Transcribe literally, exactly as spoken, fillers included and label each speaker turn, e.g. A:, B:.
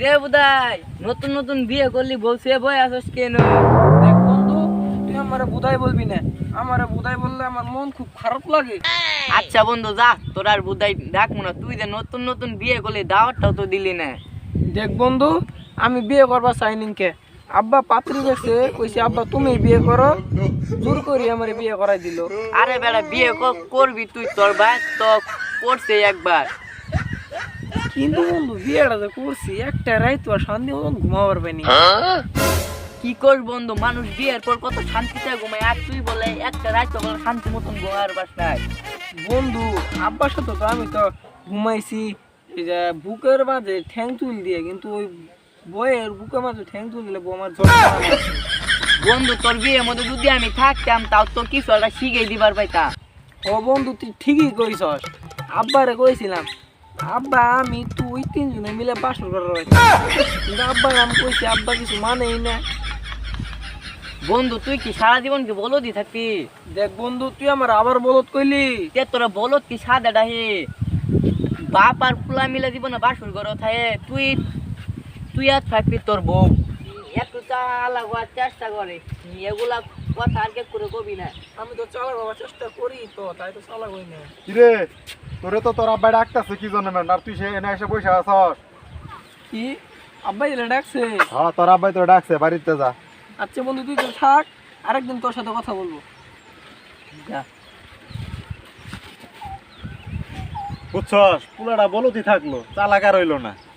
A: রে বুদাই নতুন নতুন বিয়ে করলি বলছে বই আসস কেন?
B: দেখ বন্ধু, তুই আমারে বুধাই বলবি না। আমারে বুধাই বললে আমার মন খুব খারাপ লাগে।
A: আচ্ছা বন্ধু যা, তোর আর বুদাই ডাকবো না। তুই যে নতুন নতুন বিয়ে করলি দাওয়াতটাও তো দিলি না।
B: দেখ বন্ধু, আমি বিয়ে করবা চাইনি কে। আব্বা পাত্রী দেখছে, কইছে আব্বা তুমি বিয়ে করো, জোর করি আমার বিয়ে করাই দিল।
A: আরে বেটা বিয়ে ক- করবি তুই, তোর ভাই তো করছে একবার।
B: কিন্তু বন্ধু বিয়েটা যে করছি, একটা রাইতো আর শান্তি মতন ঘুমাবার পাইনি।
A: কি কর বন্ধু, মানুষ বিয়ের পর কত শান্তিতে ঘুমায়, আর তুই বলে একটা রাত তো বলে শান্তি মতন ঘুমার বাসায়।
B: বন্ধু আব্বার সাথে তো আমি তো ঘুমাইছি এই যে বুকের মাঝে ঠ্যাং তুল দিয়ে, কিন্তু ওই বইয়ের বুকের মাঝে ঠ্যাং তুল দিলে বউ আমার জ্বর করে।
A: বন্ধু তোর বিয়ের মধ্যে যদি আমি থাকতাম তাও তো কিছু একটা শিখে দিবার পাইতাম।
B: ও বন্ধু তুই ঠিকই কইছস, আব্বারে কইছিলাম আব্বা আমি তুই তিনজনে মিলে বাসর করার হয়েছে, কিন্তু আব্বার আমি কইছি আব্বা কিছু মানেই না।
A: বন্ধু তুই কি সারা জীবন কি বলদি থাকবি?
B: দেখ বন্ধু তুই আমার আবার বলত কইলি।
A: তে তোরা বলত কি সাদা ডাহে বাপ আর ফুলা মিলে জীবনে বাসুর ঘর থাকে, তুই তুই আর থাকবি তোর বউ একটু চালা হওয়ার চেষ্টা করে, এগুলা কথা আর কে করে কবি না।
B: আমি তো চালা বাবার চেষ্টা করি, তো তাই তো চালা কই না।
C: কিরে তোরে তো তোর আব্বাই ডাকতেছে কি জন্য ম্যান, আর তুই সে এনে এসে বসে আছস?
B: কি আব্বা এলে ডাকছে?
C: হ্যাঁ তোর আব্বাই তোর ডাকছে, বাড়িতে যা।
B: আচ্ছা বন্ধু তুই তো থাক, আরেকদিন তোর সাথে কথা বলবো।
A: যা।
C: বুঝছস পুলাটা বলতি থাকলো, চালাক আর হইলো না।